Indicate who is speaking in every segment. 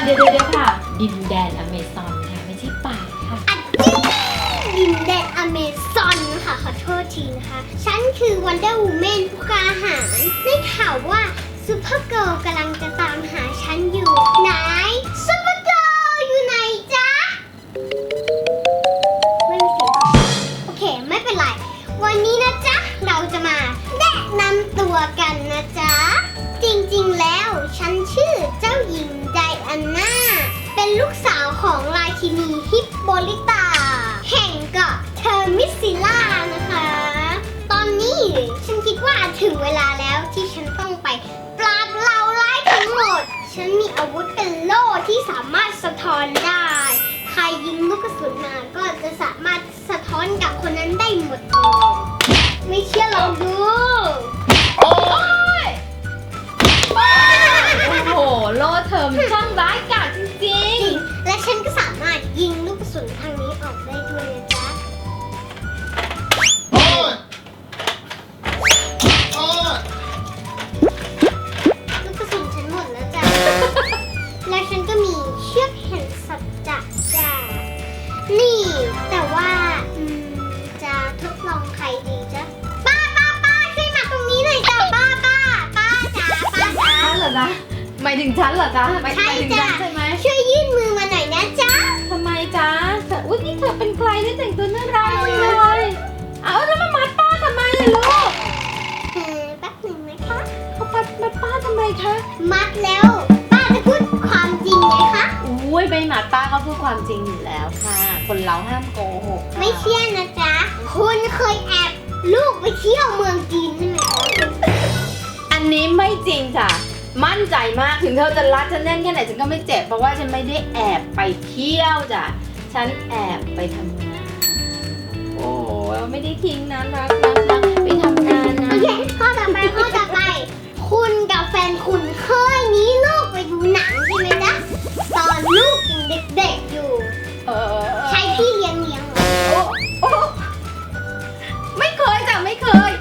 Speaker 1: เดี๋ยวค่ะดินแดนอเมซอนค่ะไม่ใช่ป่าค่ะ
Speaker 2: ดินแดนอเมซอนค่ะขอโทษทีนะคะ ฉันคือ Wonder Woman ผู้กล้าหาญได้ข่าวว่าซูเปอร์เกิร์ลกำลังจะตามหาฉันอยู่ไหนซูเปอร์เกิร์ลอยู่ไหนจ๊ะไม่มีเสียงโอเคไม่เป็นไรวันนี้นะจ๊ะเราจะมาแนะนำตัวกันนะจ๊ะจริงๆแล้วฉันชื่อเจ้าหญิงไดอาน่าเป็นลูกสาวของราชินีฮิปโปลิตาแห่งเกาะเทอร์มิสซิล่านะคะ ตอนนี้ฉันคิดว่าถึงเวลาแล้วที่ฉันต้องไปปราบเหล่าร้ายทั้งหมด ฉันมีอาวุธเป็นโล่ที่สามารถสะท้อนได้ ใครยิงลูกกระสุนมาก็จะสามารถสะท้อนกับคนนั้นได้หมดเลยไม่เชื่อลองดู
Speaker 1: โอ้ยโอ้โหโลเธอมันช่างร้ายกาจจริง
Speaker 2: และฉันก็สามารถยิงลูกกระสุนทางนี้ออกได้ด้วยนะจ๊ะ
Speaker 3: โอ้ยโอ้ย
Speaker 2: ลูกกระสุนฉันหมดแล้วจ้ะ และฉันก็มีเชือกแห่งสัจจะจ้ะนี่แต่ว่าจะทดลองใครดีจ๊ะป้าช่วยมาตรงนี้หน่อยจ้ะป้าจ๋าป้าจ๋า
Speaker 1: ๆฉันเหรอจ๊ะหมายถึงฉันเหรอจ๊ะหมาย
Speaker 2: ใช่
Speaker 1: ถึง
Speaker 2: จ้ะ
Speaker 1: ฉันใช่ไหม
Speaker 2: ช่วยยื่นมือมาหน่อยนะจ๊ะ
Speaker 1: ทำไมจ๊ะอุ๊ยนี่เธอเป็นใครที่แต่งตัวน่ารักจังเลยเอาแล้วมามัดป้าทำไมล่ะลูก
Speaker 2: แป๊บหนึ่งนะคะ
Speaker 1: เขามัดป้าทำไมคะ
Speaker 2: มัดแล้วป้าจะพูดความจริงไหมคะ
Speaker 1: อุ้ยใบหมัดป้าเขาพูดความจริงอยู่แล้วค่ะ คนเราห้ามโกหกค่ะ
Speaker 2: ไม่เชื่อนะจ๊ะคุณเคยแอบลูกไปเที่ยวเมืองจีนใช่ไหมคะ
Speaker 1: อันนี้ไม่จริงจ้ะมั่นใจมากถึงเธอจะรัดฉันแน่นแค่ไหนฉันก็ไม่เจ็บเพราะว่าฉันไม่ได้แอบไปเที่ยวจ้ะฉันแอบไปทำงานโอ้ไม่ได้ทิ้งนะรักไปทำงานนะ
Speaker 2: โอเคข้อต่อไปคุณกับแฟนคุณเคยหนีลูกไปดูหนังใช่ไหมจ๊ะตอนลูกยังเด็กๆอยู่ ใช้พี่เลี้ยงเหรอ
Speaker 1: โอ้ไม่เคยจ้ะไม่เคย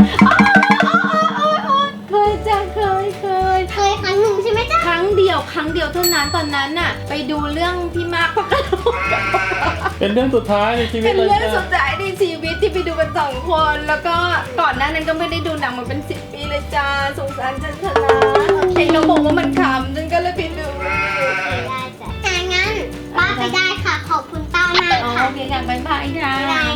Speaker 1: เคยจ้ะเคย
Speaker 2: เคยครั้งหนึ่งใช่ไหมจ๊ะ
Speaker 1: ครั้งเดียวเท่านั้นตอนนั้นน่ะไปดูเรื่องพี่มากปะกระโดด
Speaker 3: เป็นเรื่องสุดท้ายในชีวิ
Speaker 1: เป็
Speaker 3: ต
Speaker 1: น
Speaker 3: เลย
Speaker 1: เรื่อง
Speaker 3: จ้ะ
Speaker 1: สุดท้ายในชีวิตที่ไปดูกัน2 คนแล้วก็ก่อนหน้านั้นก็ไม่ได้ดูหนังมาเป็น10 ปีเลยจ้าสงสารฉันเถอะนะเห็นน้องบอกว่ามันขำฉันก็เลยไปดู
Speaker 2: ได้จ้ะงั้นป้าไปได้ค่ะ ขอบคุณป้ามาก
Speaker 1: อ๋อ
Speaker 2: ค่ะ
Speaker 1: โอเคค่ะบ๊ายบายค่ะ